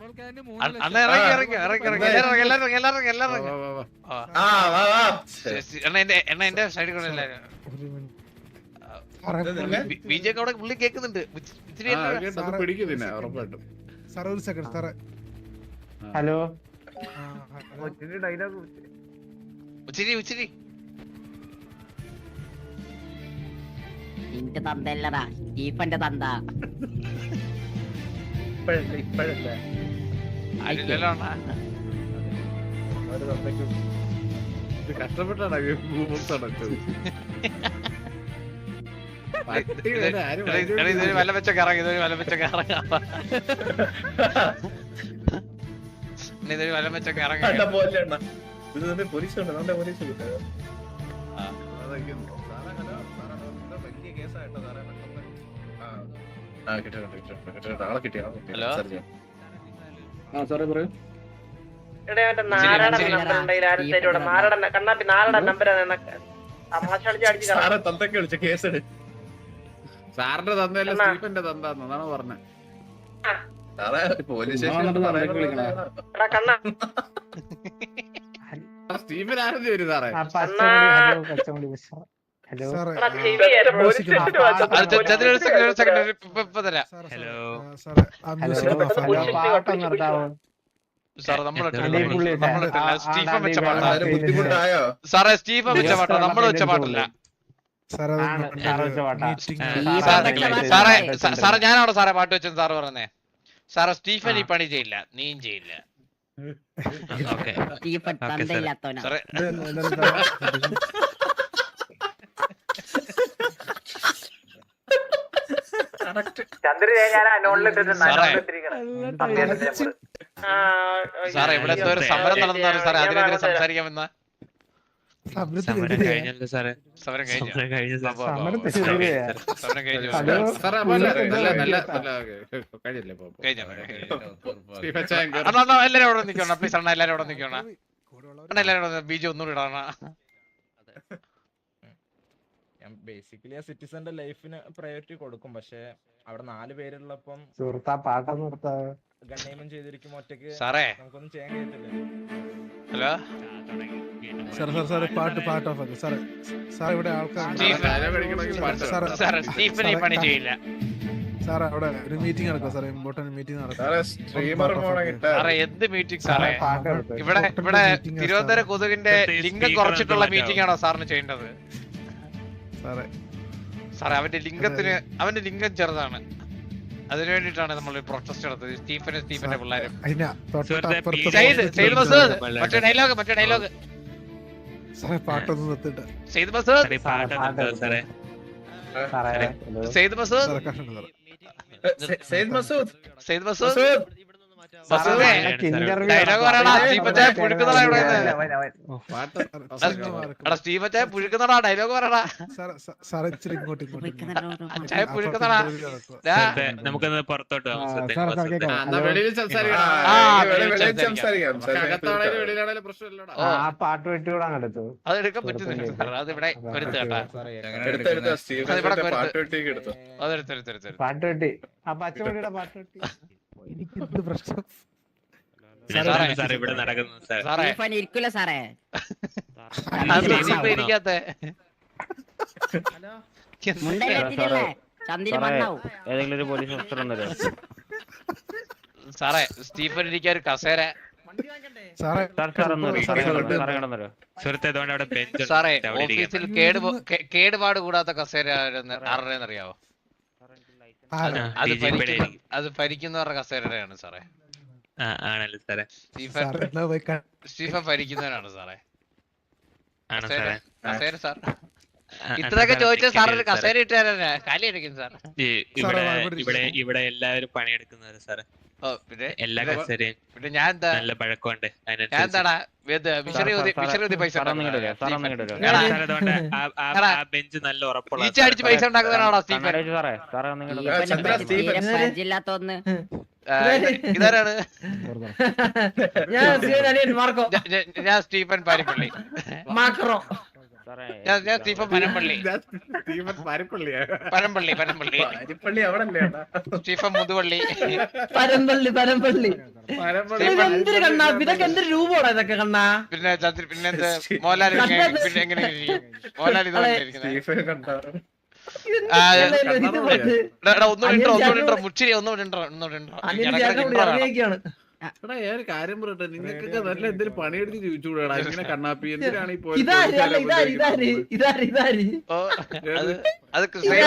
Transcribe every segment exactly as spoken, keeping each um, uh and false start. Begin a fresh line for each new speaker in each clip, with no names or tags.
അണ്ണ ഇറങ്ങി ഇറങ്ങി ഇറങ്ങി ഇറങ്ങി എല്ലാരും എല്ലാരും എല്ലാരും എല്ലാരും എണ്ണ എന്റെ എണ്ണ എന്റെ സൈഡിൽ കൂടെ എല്ലാരും ബിജെക്ക് അവിടെ പുള്ളി കേൾക്കുന്നുണ്ട്.
ഹലോ
ഉച്ചിരി ഉച്ചിരി
നിന്റെ തന്തല്ലടാ സ്റ്റീഫന്റെ തന്ത.
ആരില്ലല്ലോ അണ്ണാ.
കഷ്ടപ്പെട്ടാണ്
ഇതൊരു വല്ല വെച്ച കറങ്ങി ഇതൊരു വല്ല വെച്ച കറങ്ങ ഇതൊരു വല്ല വെച്ച കറങ്ങ ഹലോ
സാറിന്റെ തന്തല്ല സ്റ്റീഫന്റെ തന്താന്നാണ് പറഞ്ഞത്. പോലീസ് സ്റ്റീഫൻ ആരും വരും സാറേ.
സാറേ സ്റ്റീഫൻ വെച്ച പാട്ടോ നമ്മള് വെച്ച പാട്ടല്ല സാറേ. സാറേ ഞാനവിടെ സാറേ പാട്ട് വെച്ചെന്ന് സാറ് പറഞ്ഞേ. സാറേ സ്റ്റീഫൻ ഈ പണി ചെയ്യില്ല, നീയും ചെയ്യില്ല. സാറേ സാറേ ഇവിടെ എന്തോ ഒരു സമരം നടന്നാലും സാറേ അതിനെതിരെ സംസാരിക്കാമെന്ന സമരം കഴിഞ്ഞു. സമരം കഴിഞ്ഞു. എല്ലാരും അവിടെ നിൽക്കണം പ്ലീസ് അണ്ണ. എല്ലാരും അവിടെ നിൽക്കണം അണ്ണ. എല്ലാരും ബീജം ഒന്നുകൂടി ഇടണ.
ബേസിക്കലി ആ സിറ്റിസന്റെ ലൈഫിന് പ്രയോറിറ്റി കൊടുക്കും. പക്ഷെ അവിടെ നാല് പേരുള്ളപ്പം ഗണ്ണിയമം ചെയ്തിരിക്കും ഒറ്റക്ക് നമുക്കൊന്നും ചെയ്യാൻ കഴിയത്തില്ല.
ഹലോ
പാട്ട് പാട്ട് ഓഫ് ആക്കും സാറേ. സാർ ഇവിടെ ആൾക്കാർ
സ്റ്റീഫൻ ഈ പണി ചെയ്യില്ല.
സാറേ അവിടെ ഒരു മീറ്റിംഗ് നടക്കുക സാറേ. ഇമ്പോർട്ടന്റ് മീറ്റിംഗ് നടക്കുക.
സാറേ എന്ത് മീറ്റിംഗ് സാറേ? ഇവിടെ ഇവിടെ തിരുവനന്തപുരം കൊതുകിന്റെ ലിംഗം കുറച്ചിട്ടുള്ള മീറ്റിംഗ് ആണോ സാറിന് ചെയ്യേണ്ടത്?
സാറേ
സാറേ അവന്റെ ലിംഗത്തിന് അവന്റെ ലിംഗം ചെറുതാണ്. അതിനു വേണ്ടിട്ടാണ് നമ്മൾ പ്രൊട്ടസ്റ്റ് നടത്തുന്നത്. സ്റ്റീഫനും സ്റ്റീഫന്റെ പിള്ളേരും. മറ്റേ ഡയലോഗ് മറ്റേ ഡയലോഗ്
പാട്ടൊന്നും നിർത്തിട്ട്
സെയ്ദ് മസൂദ് സെയ്ദ് മസൂദ് സെയ്ദ് മസൂദ് സെയ്ദ് മസൂദ് ഡയലോഗ് പറയടാ. സ്റ്റീഫച്ചായ പുഴുക്കുന്നതാ ഇവിടെ. എടാ സ്റ്റീഫച്ചായ പുഴുക്കുന്നടാ. ഡയലോഗ് പറയടാ. ചായ പുഴുക്കുന്നടാ.
നമുക്കൊന്ന് പുറത്തോട്ട്
പാട്ട് വെട്ടിവിടാൻ എടുത്തു.
അത് എടുക്കാൻ പറ്റുന്നില്ല. അത് ഇവിടെ വരുത്ത് കേട്ടാ. അതെടുത്തെടുത്തെടുത്ത്
പാട്ട് വെട്ടി ആ പച്ചവെട്ടിയുടെ പാട്ട് വെട്ടി.
എനിക്ക് പ്രശ്നം
ഇവിടെ നടക്കുന്നു
ഇരിക്കൂല സാറേ.
ഇരിക്കാത്ത
ഏതെങ്കിലും ഒരു പോലീസ് ഓഫീസർ ഉണ്ടല്ലോ
സാറേ. സ്റ്റീഫൻ ഇരിക്കാൻ ഒരു കസേര സാറേ. ഓഫീസിൽ കേട് കേടുപാട് കൂടാത്ത കസേര ആരുടെന്നറിയാവോ? അത് അത് ഭരിക്കുന്നവരുടെ കസേരയാണ് സാറേ.
ആണല്ലോ സാറേ.
സ്റ്റീഫൻ സ്റ്റീഫൻ ഭരിക്കുന്നവരാണ് സാറേ. കസേര സാർ ഇത്രയൊക്കെ ചോദിച്ചാൽ സാറിന് കസേര ഇട്ട് തരാനാ കാലി അടിക്കും സാർ.
ഇവിടെ ഇവിടെ എല്ലാവരും പണിയെടുക്കുന്നവര് സാറേ.
പിന്നെ
എല്ലാ കസേരയും
പിന്നെ ഞാൻ എന്താ
നല്ല പഴക്കമുണ്ട്.
ഞാൻ എന്താടാ വിശറി പൈസ
ബെഞ്ച് നല്ല ഉറപ്പുള്ള
അടിച്ച് പൈസ ഉണ്ടാക്കുന്നതാണോ സ്റ്റീഫൻ?
ജില്ലാത്തൊന്ന്
ഇതാരാണ്? ഞാൻ സ്റ്റീഫൻ പാരിപ്പള്ളി. ഞാൻ ഞാൻ സ്റ്റീഫൻ പനമ്പള്ളി
സ്റ്റീഫൻ പരപ്പള്ളിയാ
പനമ്പള്ളി പനമ്പള്ളി
അരിപ്പള്ളി അവിടെ അല്ലേ
സ്റ്റീഫൻ മുതുവള്ളി
പരമ്പള്ളി പരമ്പള്ളി
പരപ്പള്ളി
എന്തൊരു കണ്ണാ ഇതൊക്കെ എന്തൊരു രൂപമാണ് ഇതൊക്കെ കണ്ണാ
പിന്നെ ചന്ദ്രൻ പിന്നെ എന്ത് മോഹൻലാൽ ഇങ്ങനെ- പിന്നെ എങ്ങനെ ഇരിക്കും? മോഹൻലാൽ ഇതുപോലെ ഇരിക്കുന്നത്
സ്റ്റീഫൻ കണ്ടാറ്
ഒന്നുകൂടി ഇൻട്രോ ഒന്നുകൂടി ഇൻട്രോ മുച്ചിരി ഒന്നുകൂടി ഇൻട്രോ ഒന്നുകൂടി ഇൻട്രോ
ഇറങ്ങിയൊക്കെയാണ്
എടാ ഞാൻ ഒരു കാര്യം പറയട്ടെ നിങ്ങൾക്കൊക്കെ നല്ല എന്തെങ്കിലും പണിയെടുത്ത് ജീവിച്ചുകൂടാ ഇങ്ങനെ കണ്ണാപ്പി എന്തിനാണ് ഈ പോയി
ഇതാര് അല്ല ഇതാര് ഇതാര് ഇതാര് ഇതാര്
അത് അത്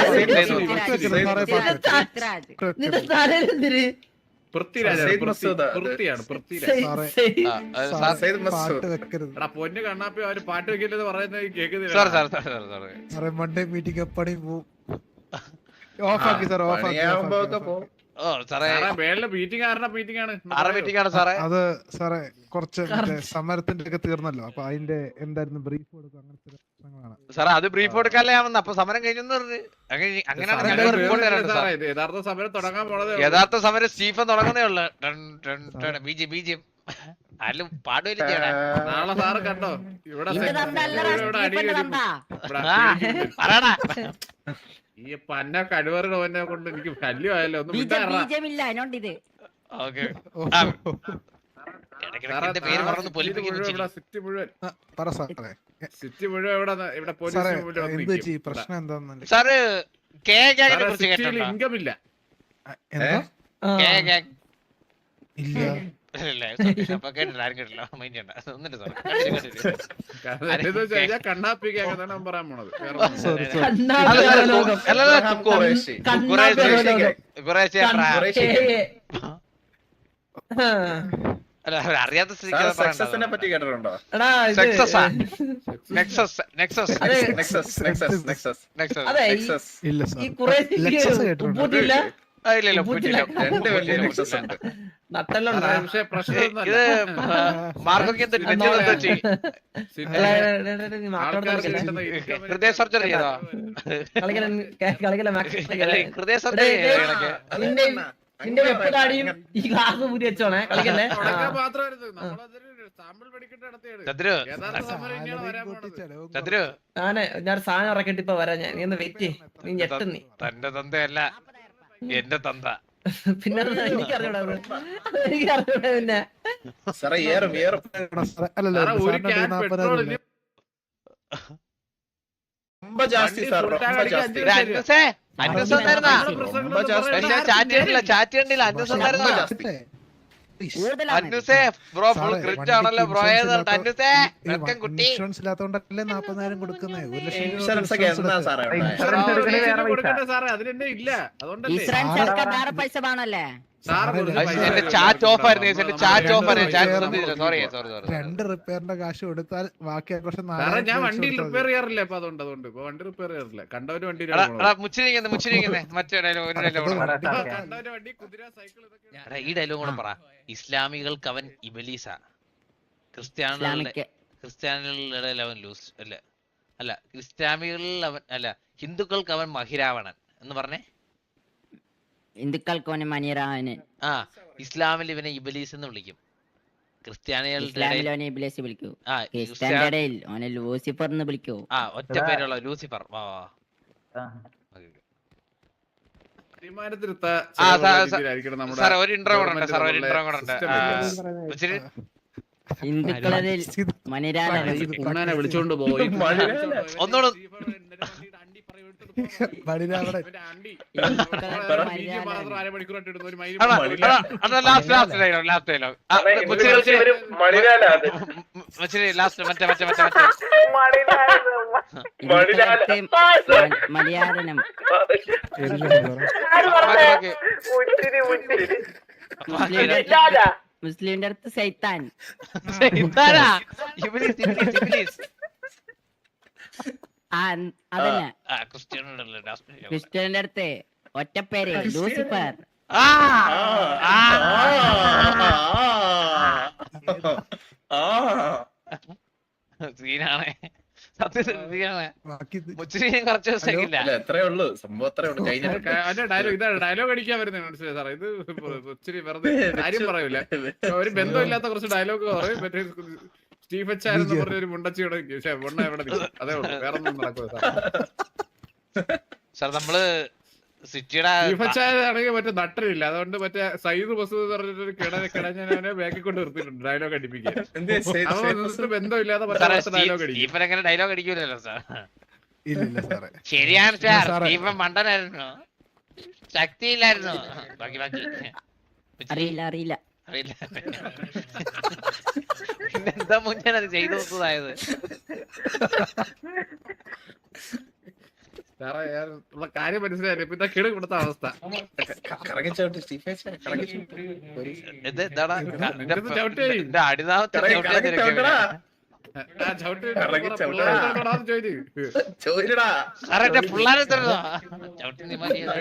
നിന്റെ തലയിൽ എന്തിര്
പൃഥ്വിരാജാണ്
സയ്യിദ് മസൂദ്.
പൃഥ്വിയാണ് പൃഥ്വിരാജ്
സാറേ.
സയ്യിദ് മസൂദ്.
പാട്ട് വെക്കരുത്
എടാ പൊന്നു കണ്ണാപ്പി അവര് പാട്ട് വെക്കില്ലെന്ന് പറയുന്നത്
സാർ
കേൾക്കുന്നില്ല
സാർ സാർ സാർ സാർ
സാറേ മൺഡേ മീറ്റിംഗ് എപ്പണി പോവും ഓഫ് ആക്കി സാർ ഓഫ് ആക്കി
പണിയാവുമ്പോ ഒക്കെ
off
പോവും.
ആക്കി.
ഓ സാറേ
മേളിലെ മീറ്റിംഗ് ആരുടെ മീറ്റിംഗ് ആണ്
ആറ് മീറ്റിംഗ് ആണ് സാറേ
അത് സാറേ കുറച്ച് മറ്റേ സമരത്തിന്റെ ഒക്കെ തീർന്നല്ലോ അപ്പൊ അതിന്റെ എന്തായിരുന്നു ബ്രീഫ് കൊടുക്കും അങ്ങനത്തെ പ്രശ്നങ്ങളാണ്
സാറേ അത് ബ്രീഫ് കൊടുക്കാല്ലേ ഞാൻ വന്ന അപ്പൊ സമരം കഴിഞ്ഞെന്ന് പറഞ്ഞു അങ്ങനെ അങ്ങനെയാണ്
സാറേ,
ഞങ്ങൾ റിപ്പോർട്ട് തരാണ്ട് സാർ
സാറേ, ഇത് യഥാർത്ഥ സമരം തുടങ്ങാൻ പോണതേ ഉള്ളൂ.
യഥാർത്ഥ സമരം സ്റ്റീഫൻ തുടങ്ങുന്നേ ഉള്ളു ബീജി ബീജിയം ആരും പാടുകയില്ല ചെയ്യണേ
നാളെ സാറ് കണ്ടോ ഇവിടെ
നിന്റെ തന്ത അല്ലടാ
ഇവിടെ അടി
സ്റ്റീഫന്റെ
വരും.
തന്ത
ഇവിടെ
ആ, പറയടാ
ഈ പന്ന കഴിവറുടെ ഓനെ കൊണ്ട് എനിക്ക് ശല്യമായല്ലോ ഒന്ന് വിട്ടാറാ
ബീജമില്ല അതിനോണ്ട് ഇത്
ഓക്കെ
ഓ,
എന്റെ പേര് പറഞ്ഞു പൊലിപ്പിക്കുന്നു
ഇവിടെ സിറ്റി മുഴുവൻ
ആ, പറ സാറേ
സിറ്റി മുഴുവൻ ഇവിടെ ഇവിടെ
സാറേ
പോലീസ് മുഴുവൻ വന്ന്
എന്ത് വെച്ച് ഈ
നിൽക്കും.
പ്രശ്നം എന്താന്ന്
സാറ് കെ ഗാങ്ങിനെ
സാറേ,
കുറിച്ച്
സിറ്റിയിൽ
കേട്ടോ
ഇൻകം ഇല്ല
എന്താ
കെ ഗാങ്
ഇല്ല
ഇല്ല sorry, അപ്പൊ കേട്ടില്ല ആരും കേട്ടില്ല മൈൻഡ് ചെയ്യണ്ട ഒന്നിട്ട് സാറേ കണ്ടില്ല കണ്ടില്ല
കാരണം എന്താന്ന് വെച്ച് കഴിഞ്ഞാൽ കണ്ണാപ്പിക്കാണ് ഞാൻ പറയാൻ പോണത് വേറെ ഒന്നും.
സോറി സോറി
കണ്ണാടി
അല്ല, അല്ല,
ലോകം
അല്ല, അല്ല,
അബ്രഹാം
കുക്കു.
ഖുറേഷി.
കണ്ണാടി ലോകം
കുറേശ്ശെ
കണ്ണ-
ഖുറേഷി.
ഏ, ഏ. ആ.
അല്ല അവർ അറിയാത്ത സ്ഥിതിക്ക്
സാർ
അത് പറയണ്ട.
സക്സസിനെ പറ്റി കേട്ടിട്ടുണ്ടോ?
എടാ ഇത്
Success ആ? നെക്സസ് നെക്സസ്
അതെ
നെക്സസ് നെക്സസ് നെക്സസ്
നെക്സസ്
അതെ ഈ-
നെക്സസ്
ഇല്ല
ഈ
സാർ
കുറെ
ലെക്സസ് കേട്ടിട്ടുണ്ടോ?
ഉപ്പൂട്ടില്ല
ആ, ഇല്ല ഇല്ല
ഉപ്പൂറ്റില്ല.
ഉപ്പൂറ്റില്ല.
രണ്ട് വലിയ
ഉപ്പൂറ്റില്ല,
നെക്സസ്
ഉപ്പൂറ്റില്ല.
ഉണ്ട്.
നട്ടെല്ലാം
സാറേ, പക്ഷേ പ്രശ്നം
ഇത്
ഒന്നുമല്ല.
മാർക്കൊക്കെ എന്ത്
ആ,
നെഞ്ചിൽ
നോക്കാം.
വെച്ച്
സിറ്റി
മാറ്റോടെ
ആൾക്കാർക്ക്
കളിക്കല്ലേ
കിട്ടുന്ന income
ഹൃദയ സർജറി ചെയ്തോ
കളിക്കല കളിക്കല
അല്ല, ഹൃദയ സർജറി ചെയ്തോ ഇടയ്ക്ക്?
നിന്റെ നിന്റെ വെപ്പതാടിയും ഈ ഗ്ലാസ് ഊരി വെച്ചോണേ കളിക്കല്ലേ ആ.
തുടക്കം മാത്രമായിരുന്നു. നമ്മളതൊരു സാമ്പിൾ പഠിക്കേണ്ട നടത്തിയാണ്.
ചന്ദ്രു
യഥാർത്ഥ സമരം ഇനിയാണ് വരാൻ
സാലറിയും കൂട്ടി
പോണത്.
ചെലവും
ചന്ദ്രു
ഞാന് ഞാൻ സാധനം ഇറക്കിട്ട് ഇപ്പൊ വരാം ഞാൻ നീ ഒന്ന് വെയിറ്റ് നീ ഞെട്ടും നീ
തന്റെ തന്തയല്ല എന്റെ തന്ത
പിന്നെ എനിക്കറിയൂടാ അത്. എനിക്കറിയൂടാ പിന്നെ
സാറേ ഏറും ഏറും
കൂടെ സാറേ, അല്ലല്ല
സാറേ, ഒരു
സാറിന്റെ
ക്യാൻ
നാപ്പതിനായിരം
പെട്രോൾ
ഇല്ലേ?
ரொம்ப ஜாஸ்தி சார் ரொம்ப ஜாஸ்தி
ഇത് അന്വസേ അന്വസ് വന്നായിരുന്നാ
ரொம்ப ஜாஸ்தி
പക്ഷെ ചാറ്റ് ചെയ്യണ്ടില്ല ചാറ്റ് ചെയ്യണ്ടില്ല അന്വസ് വന്നായിരുന്നാ
ரொம்ப ஜாஸ்தி
Please.
കൂടുതലാണ്
അന്വസേ ബ്രോ ഫുൾ
സാറേ,
ക്രിറ്റ്
വണ്ടിക്ക്
ആണല്ലോ ബ്രോ
ഇൻഷുറൻസ്
ഏതാ
ഇല്ലാത്ത-
അന്വസേ
ഈ
വെൽക്കം കുട്ടി
ഇൻഷുറൻസ് ഇല്ലാത്തോണ്ടല്ലേ നാപ്പതിനായിരം കൊടുക്കുന്നേ ഒരു ലക്ഷം രൂപ
ഇൻഷുറൻസ് ഒക്കെ
ഇൻഷുറൻസ്
എന്നാ
എടുത്ത്.
സാറേ ഉണ്ടായത്?
ഇൻഷുറൻസ് എടുക്കണേ വേറെ പൈസ.
കൊടുക്കണ്ടേ സാറേ അതിനെന്നെ ഇല്ല അതുകൊണ്ടല്ലേ
ഇൻഷുറൻസ് എടുക്കാൻ വേറെ പൈസ വേണല്ലേ
സാറ് കൊടുത്ത
സാറേ,
പൈസ
എന്റെ
ആരും
ചാറ്റ് ഓഫ് ആയിരുന്നു
നമ്മള്
എന്റെ ചാറ്റ് ഓഫ് ആയിരുന്നു ചാറ്റ്
നമ്മള്
ശ്രദ്ധിച്ചില്ല സോറി സോറി സോറി
രണ്ട് റിപ്പയറിന്റെ കാശ് കൊടുത്താൽ ബാക്കി ആഘോഷം
സാറേ ഞാൻ വണ്ടിയിൽ റിപ്പയർ ചെയ്യാറില്ല ഇപ്പൊ അതുകൊണ്ട് അതുകൊണ്ട് ഇപ്പൊ വണ്ടി റിപ്പയർ ചെയ്യാറില്ല കണ്ടവര് വണ്ടി
എടാ എടാ മുച്ചിരിക്കുന്നേ മുച്ചിരിക്കുന്നേ മറ്റേ ഡയലോഗ് ഒരു ഡയലോഗ് കൂടെ പറ.
കണ്ടവര് വണ്ടി കുതിര സൈക്കിൾ ഇതൊക്കെ
എടാ ഈ ഡയലോഗ് കൂടെ പറ ഇസ്ലാമികൾക്ക് അവൻ ഇബലീസ ക്രിസ്ത്യാനികളുടെ
ഇസ്ലാമിക്
ക്രിസ്ത്യാനികളുടെ അവൻ ലൂസ് അല്ല അല്ല ക്രിസ്ത്യാനികളിൽ അവൻ അല്ല ഹിന്ദുക്കൾക്ക് അവൻ മഹിരാവണൻ എന്ന് പറഞ്ഞേ
ഹിന്ദുക്കൾക്ക് മനിയറാവന്
ആ ഇസ്ലാമിൽ ഇവനെ ഇബലീസ് എന്ന് വിളിക്കും ക്രിസ്ത്യാനികളുടെ ഇടയിൽ-
ഇസ്ലാമിലോനെ ഇബ്ലീസ് വിളിക്കൂ
ആ
ക്രിസ്ത്യന്റെ
ക്രിസ്ത്യാ-
ഇടയിൽ ഓനെ ലൂസിഫർ എന്ന് വിളിക്കൂ
ആ ഒറ്റ പേരുള്ള ലൂസിഫർ വാ വാ ഓക്കേ.
തീരുമാനത്തിലെത്ത
ആ, സാ- സാ-
രീതിയിലായിരിക്കണം നമ്മുടെ
സാറേ ഒരു ഇന്റർവ്യൂ കൂടെ ഉണ്ട്
ഗവൺമെന്റ്
സാർ ഒരു
നമ്മളുടെ
ഇന്റർവ്യൂ കൂടെ ഉണ്ട്
system
ആ,
ഇല്ലേ?
മുച്ചിരി
ഹിന്ദുക്കളിൽ മനിരാവൻ
ഉണ്ണാനെ വിളിച്ചോണ്ട് പോയി
ഒന്നുകൂടെ
ബലിരാവണൻ.
അതാ, അതാ, അതാ last last dialogue last dialogue മുച്ചിരി മുച്ചിരി മുച്ചിരി ലാസ്റ്റ് മറ്റേ മറ്റേ മറ്റേ മറ്റേ
ഹിന്ദുക്കൾക്ക് മലയാളനം
ബാക്കി, ബാക്കി.
മുസ്ലിമിന്റെ അടുത്ത് സൈത്താൻ
ഇതാരാ? ഇബ്ലീസ്, ഇബ്ലീസ്, ഇബ്ലീസ്.
ആ അതന്നെ
ആ, ക്രിസ്ത്യാനികളുടെ last dialogue.
ക്രിസ്ത്യന്റെ അടുത്ത് ഒറ്റപ്പേര് ലൂസിഫർ
ആ, ആ. സീനാണ് സത്യത്തിൽ സീനാണ്
ബാക്കി ഇത്
മുച്ചിരിയും കുറച്ച് ദിവസത്തേക്കില്ല
അല്ല എത്രേ ഉള്ളൂ സംഭവം എത്രേ ഉള്ളൂ കഴിഞ്ഞ
ഡയലോഗ് ഇതാണ് ഡയലോഗ് അടിക്കാൻ വരുന്നത് മനസ്സിലായി സാറേ ഇത് ഇച്ചിരി വെറുതെ കാര്യം പറയൂല ഒരു ബന്ധമില്ലാത്ത കുറച്ച് ഡയലോഗ് പറയും മറ്റേ സ്റ്റീഫൻ ചാൻ എന്ന് പറഞ്ഞ ഒരു മുണ്ടച്ചിയുടെ മുണ്ണ എവിടെ നിൽക്കും അതേ ഉള്ളൂ വേറെ ഒന്നും നടക്കുക
സാർ നമ്മള് സിറ്റിയുടെ
സ്റ്റീഫൻ ചാൻ ആണെങ്കിൽ മറ്റേ നട്ടരില്ല അതുകൊണ്ട് മറ്റേ സയ്യിദ് മസൂദ് എന്ന് പറഞ്ഞിട്ടൊരു കിട കിടഞ്ഞവനെ ബാക്കിൽ കൊണ്ട് നിർത്തിയിട്ടുണ്ട് ഡയലോഗ് അടിപ്പിക്കാൻ ബന്ധമില്ലാതെ ഡയലോഗ് അടിക്കും
സ്റ്റീഫൻ അങ്ങനെ ഡയലോഗ് അടിക്കൂലല്ലോ സാർ
ഇല്ലില്ല സാറേ.
ശരിയാണ് സാർ
സാറേ.
സ്റ്റീഫൻ മണ്ടനായിരുന്നു ശക്തിയില്ലായിരുന്നു ബാക്കി ബാക്കി
അറിയില്ല അറിയില്ല
അറിയില്ല പിന്നെന്താ മുന്നേ അത് ചെയ്തു നോക്കുന്നതായത്
സാറേ ഞാൻ ഉള്ള കാര്യം മനസ്സിലായില്ല ഇപ്പൊ ഇതാ കിട ഇവിടുത്തെ അവസ്ഥ
കറങ്ങിച്ചോട്ട് സ്റ്റീഫൻ ചാൻ കറങ്ങിച്ചു
ഇത് എന്താടാ
നിനക്കിത് ചവിട്ടി.
എന്റെ അടിനാമത്തെ
കറങ്ങി
ചവിട്ടിയാ
കറങ്ങി
തിരക്കിയത്.
ചവിട്ടടാ
ആ ചവിട്ടി
കറങ്ങി ചവിട്ടടാ.
പിള്ളേരോടാന്ന് ചോദിച്ചു
ചോദിച്ചടാ
സാറേ എന്റെ പിള്ളേരെ തരുന്നോ ചവിട്ടി നീ മതിയോ?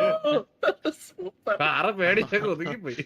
സാറ് പേടിച്ചൊക്കെ ഒതുങ്ങിപ്പോയി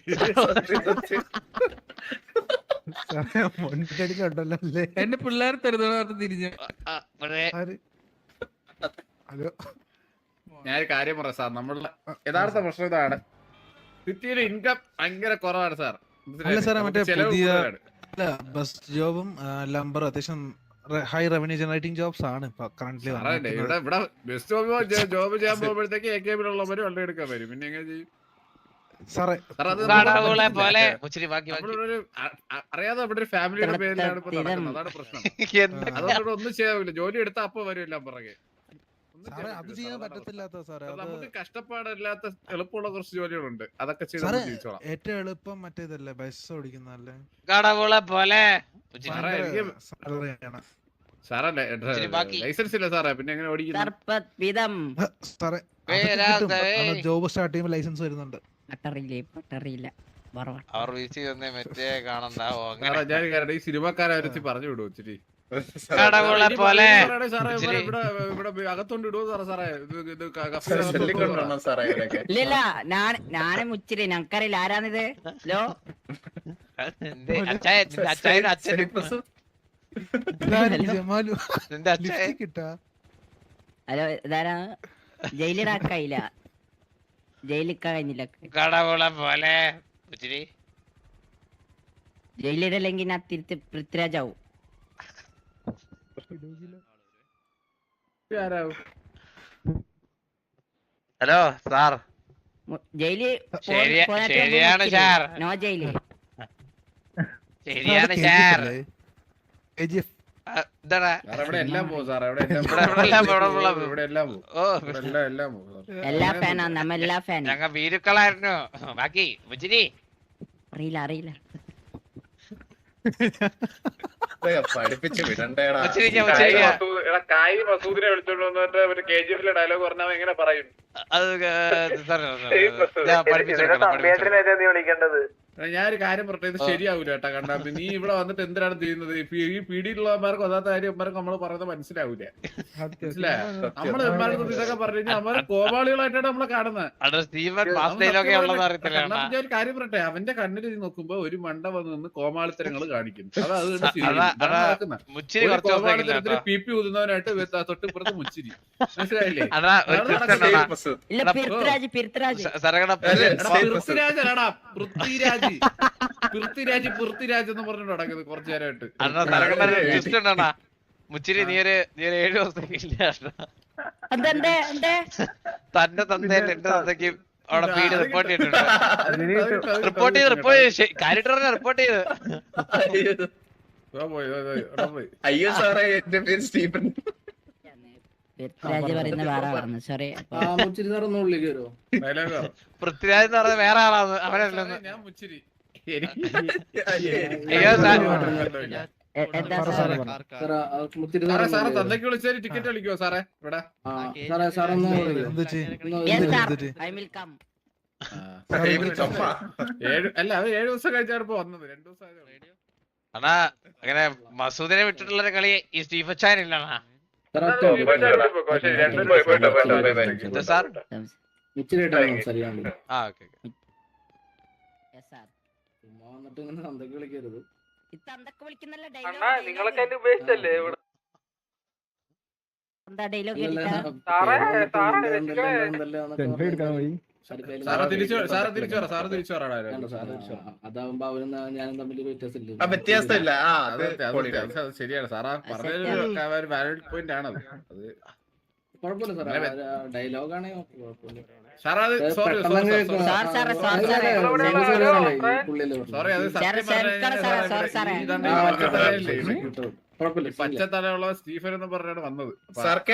സാറേ മുൻകടിയിലുണ്ടല്ലോ അല്ലേ?
എന്റെ പിള്ളേർ തരുന്ന തിരിഞ്ഞു
ആ, ഇവിടെ
ആര്? ഹലോ
ഞാനൊരു കാര്യം പറയാം സാർ നമ്മളുടെ യഥാർത്ഥ പ്രശ്നം ഇതാണ് സിറ്റിയിലെ ഇൻകം ഭയങ്കര കുറവാണ് സാർ
അല്ല സാറേ, മറ്റേ
ചെലവ്
പുതിയ-
കൂടുതലാണ്.
അല്ല ബസ് ജോബും ലംബർ അത്യാവശ്യം ഹൈ റവന്യൂ ജനറേറ്റിംഗ് ജോബ്സ് ആണ് ഇപ്പൊ കറന്റ്ലി
സാറേ ഇവിടെ ഇവിടെ ബസ് ജോബ് ജോബ് ചെയ്യാൻ പോകുമ്പോഴത്തേക്ക് എ കെ ബിയിലുള്ളവര് വെള്ളം എടുക്കാൻ വരും പിന്നെ എങ്ങനെ ചെയ്യും
സാറേ.
സാർ അത്
കടവുകളെ പോലെ മുച്ചിരി ബാക്കി ബാക്കി
നമ്മളൊരു അ- അ- അറിയാതെ അവിടെ ഒരു ഫാമിലിയുടെ പേരിലാണ് ഇപ്പൊ നടക്കുന്നത് അതാണ് പ്രശ്നം
എന്താ
അതുകൊണ്ട് ഇവിടെ ഒന്നും ചെയ്യാവില്ല ജോലി എടുത്താൽ അപ്പൊ വരും എല്ലാം പുറകെ ഒന്നും
സാറേ
ചെയ്യാൻ
അത്
പറ്റില്ല.
ചെയ്യാൻ
അതാണ് പ്രശ്നം.
പറ്റത്തില്ലാത്ത സാറേ.
അത്
അത്
നമുക്ക് കഷ്ടപ്പാടില്ലാത്ത എളുപ്പമുള്ള കുറച്ച് ജോലികളുണ്ട് അതൊക്കെ ചെയ്ത്
സാറേ
നമുക്ക് ജീവിച്ചോളാം
ഏറ്റവും എളുപ്പം മറ്റേതല്ലേ ബസ് ഓടിക്കുന്നല്ലേ?
കടവുകളെ പോലെ മുച്ചിരി.
സാറേ, എനിക്ക്
സാലറിയാണ്.
സാറല്ലേ
ഇച്ചിരി ബാക്കി.
ലൈസൻസ് ഇല്ല സാറേ പിന്നെ എങ്ങനെ ഓടിക്കുന്നത്
സർപ്പത് വിധം
സാറേ
പേരാതെ.
ജോബ് സ്റ്റാർട്ട് ചെയ്യുമ്പോൾ ലൈസൻസ് വരുന്നുണ്ട്.
പട്ടറിയില്ലേ പട്ടറിയില്ല വറവാ
അവർ വീഴ്ച തന്നെ മറ്റേ കാണണ്ടാവോ അങ്ങനെ
സാറേ ഞാൻ കാരണം ഈ സിനിമക്കാരെ പറഞ്ഞു വിടും ഇച്ചിരി
കടവുകളെ പോലെ
സാറേ ഇവിടെ
ഇച്ചിരി.
ഇവിടെ ഇവിടെ അകത്തോണ്ട് ഇടുവോ സാറേ സാറേ ഇത് ഇത് ക- കഫേ
ചൊല്ലിക്കൊണ്ടോ
അകത്തോണ്ട് വിടുവോ?
സാറേ ഇവരൊക്കെ
ഇല്ലില്ല ഞാൻ ഞാനെ മുച്ചിരി ഞങ്ങക്കറിയില്ല ആരാണിത് ലോ
നിന്റെ അച്ചായ നിന്റെ അച്ചായനും അച്ഛനും
ഇതാരും ജമാലു
നിന്റെ അച്ചായ
ലിപ്സ്റ്റിക് ഇട്ടാ?
ഹലോ ഇതാരാ ജയിലിടാക്കായില്ല ജയിലിക്ക കഴിഞ്ഞില്ല
കടവുകളെ പോലെ മുച്ചിരി.
ജയിലിടല്ലെങ്കിൽ ഞാൻ തിരുത്തി പൃഥ്വിരാജാവും
ആരാവും?
ഹലോ സാർ
മു- ജയില്
ശരിയാ- ശരിയാണ് സാർ.
നോ ജയില്
ശരിയാണ് സാർ
കെ ജി എഫ്.
ആ, എന്താടാ
സാറേ ഇവിടെ എല്ലാം പോകും സാറേ ഇവിടെ എല്ലാം
ഇവിടെ- ഇവിടെ എല്ലാം പോകും, ഇവിടെ എല്ലാം പോകും.
ഇവിടെ എല്ലാം പോകും
ഓ
ഇവിടെ എല്ലാം എല്ലാം പോകും സാർ.
എല്ലാ ഫാനാ നമ്മ എല്ലാ ഫാൻ
ഞങ്ങ വീരുക്കളായിരുന്നു ബാക്കി മുച്ചിരി.
അറിയില്ല അറിയില്ല
പഠിപ്പിച്ച് വിടണ്ടേടാ
മുച്ചിരിക്ക മുച്ചിരിക്ക
കായ് മസൂദിനെ വിളിച്ചോണ്ട് വന്നിട്ട് ഒരു കെ ജി എഫിലെ ഡയലോഗ് പറഞ്ഞാൽ എങ്ങനെ പറയും
അത് സാർ ഞാൻ പഠിപ്പിച്ചെടുക്കണം പഠിപ്പിച്ചെടുക്കണം.
ഞാനൊരു കാര്യം പറഞ്ഞത് ഇത് ശരിയാവൂല കേട്ടാ കണ്ടാ നീ ഇവിടെ വന്നിട്ട് എന്തിനാണ് ചെയ്യുന്നത് ഈ പി- ഈ പീഡിയുള്ളവന്മാർക്ക് ഒന്നാത്ത കാര്യം അമ്മമാർക്ക് നമ്മള് പറയുന്നത് മനസ്സിലാവൂല മനസ്സിലായോ നമ്മള് എമ്മാർക്ക് ഇതൊക്കെ പറഞ്ഞു കഴിഞ്ഞാൽ അമ്മമാര് കോപാളികളായിട്ടാണ് നമ്മളെ കാണുന്നത്
അത് സ്റ്റീവൻ മാസ്റ്റയിലൊക്കെ ഉള്ളത് അറിയത്തില്ല
കണ്ണാ ഞാൻ ഒരു കാര്യം പറയട്ടെ അവന്റെ കണ്ണിൽ നീ നോക്കുമ്പോ ഒരു മണ്ട വന്ന് നിന്ന് കോമാളിത്തരങ്ങൾ കാണിക്കും അതാ അത് കണ്ട് ശരിയായി.
അതാ-
ഇതാണ്
അതാ
നടക്കുന്നത്.
മുച്ചിരി
ഒരു
കുറച്ച് ദിവസത്തേക്കില്ല
കോമാളിത്തരത്തിന്
കേട്ടോ.
പി പി ഊതുന്നവനായിട്ട് വെ- തൊട്ടിപ്പുറത്ത് മുച്ചിരി മനസ്സിലായില്ലേ
അതാ ഒരു
അതാണ്
twist
നടക്കുന്നത്.
ഉണ്ടെടാ.
ഇല്ല പിർത്തരാജ് പിർത്തരാജ്
സ- സരകട
അതെ.
എടാ, പൃഥ്വിരാജല്ലടാ, പൃഥ്വിരാജ് പൃഥ്വിരാജ് പൃഥ്വിരാജ് എന്ന് പറഞ്ഞിട്ട് നടക്കുന്നത് കുറച്ചു നേരമായിട്ട്
അണ്ണാ സരകട ട്വിസ്റ്റ് ഉണ്ടെടാ. മുച്ചിരി നീ ഒരു നീ ഒരു ഏഴു ദിവസത്തേക്കില്ല
എന്തെന്തേ എന്തേ
തന്റെ തന്തയിൽ എന്റെ തന്തയ്ക്ക് അവിടെ പീഡ് റിപ്പോർട്ട് ചെയ്തിട്ടുണ്ട്.
അത്
റിപ്പോർട്ട് ചെയ്ത് റിപ്പോർട്ട് ചെയ്ത് കാര്യമായിട്ട് പറഞ്ഞ റിപ്പോർട്ട് ചെയ്ത്
ഓ, പോയി, ഓ, പോയി, ഓ, പോയി.
അയ്യോ സാറേ എന്റെ പേര് സ്റ്റീഫൻ
പിർത്തരാജ് പറയുന്ന വേറെ പറഞ്ഞു സോറി
Dialogue ആ.
പൃഥ്വിരാജ് എന്ന് പറഞ്ഞ വേറെ ആളാണ് അവനല്ലെന്ന്.
ഞാൻ മുച്ചിരി
അയ്യോ സാർ
എന്താ
പറ
സാർ
സാറേ, പറ.
സാറേ സാറേ തന്തയ്ക്ക് വിളിച്ചാൽ ടിക്കറ്റ് കളിക്കുവോ സാറേ ഇവിടെ
എന്ത് ചെയ്യും?
യെസ് സാർ
എന്ത് ചെയ്യും?
ഐ വിൽ കം
ചുമ്മാ
ഏഴ് അല്ല അത് ഏഴു ദിവസം കഴിച്ചാണ് ഇപ്പൊ വന്നത് രണ്ടു ദിവസം ആയതേ ഉള്ളൂ.
അണ്ണാ അങ്ങനെ മസൂദിനെ വിട്ടിട്ടുള്ള ഒരു കളി ഈ സ്റ്റീഫൻ ചാൻ ഇല്ലണ്ണാ. എന്താ സാർ ആ ഓക്കെ
യെസ് സാർ
വിളിക്കരുത്
ഇത്തന്തൊക്കെ വിളിക്കുന്നല്ല ഡയലോഗ് നിങ്ങളൊക്കെ എന്നെ ഉപേക്ഷിച്ചല്ലേ എന്താ ഡയലോഗ് കേട്ടിട്ടാ
സാറ് തിരിച്ചു സാറ് തിരിച്ചു പറ സാറ് തിരിച്ചു പറ
അതാവുമ്പോ അവനും ഞാനും തമ്മിൽ വ്യത്യാസമില്ല.
ആ വ്യത്യാസമില്ല. ആ
അത്
അത്
അത് അത് ശരിയാണ് സാറാ പറഞ്ഞൊരു വാലിഡ് പോയിന്റ് ആണ് അത്. അത്
കുഴപ്പമില്ല സാറേ, ഡയലോഗാണ് കുഴപ്പമില്ല.
സാറാ അത് സോറി
സാർ സാറേ സാർ സാറേ
സോറി അത് സത്യം പറഞ്ഞ പച്ചത്തലയുള്ള സ്റ്റീഫൻ എന്ന് പറഞ്ഞാണ് വന്നത്.
സർക്കേ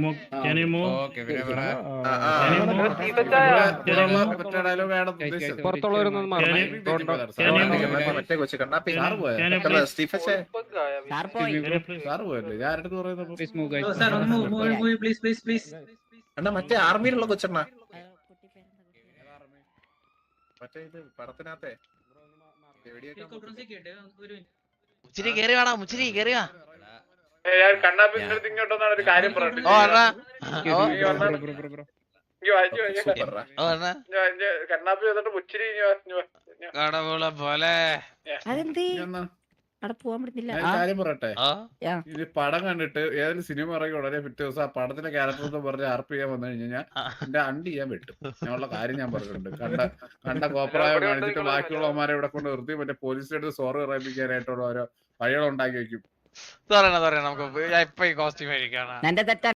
ഡയലോഗാണ്
മറ്റേ കൊച്ചു കണ്ണാപ്പി സ്റ്റീഫൻ
സാർ പോയി
സാറ് പോയല്ലേ ഞാൻ ആരുടെ പറയുന്നത്
അണ്ണാ മറ്റേ ആർമിയിലുള്ള കൊച്ചണ്ണ മറ്റേ ഇത് പടത്തിനകത്തെ
മുച്ചിരി കേറി വേണം മുച്ചിരി കേറി വാ.
കണ്ണാപ്പി ഇങ്ങോട്ടൊന്നാണ് ഒരു കാര്യം പറഞ്ഞിട്ട്
ഓ അണ്ണാ ഓ അണ്ണാ
കണ്ണാപ്പി വന്നിട്ട് മുച്ചിരി
കടവുള പോലെ
അതെന്തേ അവിടെ പോവാൻ പറ്റുന്നില്ല.
കാര്യം പറയട്ടെ,
ആ
ഇത് പടം കണ്ടിട്ട് ഏതൊരു സിനിമ ഇറങ്ങി ഉടനെ പിറ്റേ ദിവസം ആ പടത്തിന്റെ ക്യാരക്ടർ എന്ന് പറഞ്ഞ് ആർപ്പ് ചെയ്യാൻ വന്നു കഴിഞ്ഞാൽ എന്റെ അണ്ടി ചെയ്യാൻ പറ്റും. ഞാനുള്ള കാര്യം ഞാൻ പറഞ്ഞിട്ടുണ്ട്. കണ്ട കണ്ട കോപ്രായം കാണിച്ചിട്ട് ബാക്കിയുള്ളവന്മാരെ ഇവിടെ കൊണ്ട് നിർത്തി മറ്റേ പോലീസിന്റെ അടുത്ത് സോറി പറയിപ്പിക്കാനായിട്ടുള്ള ഓരോ വഴികൾ ഉണ്ടാക്കി വെക്കും.
തുറയണം തുറയണം നമുക്ക് ഇപ്പൊ ഈ കോസ്റ്റ്യൂം കഴിക്കാണ്.
എന്റെ തെറ്റ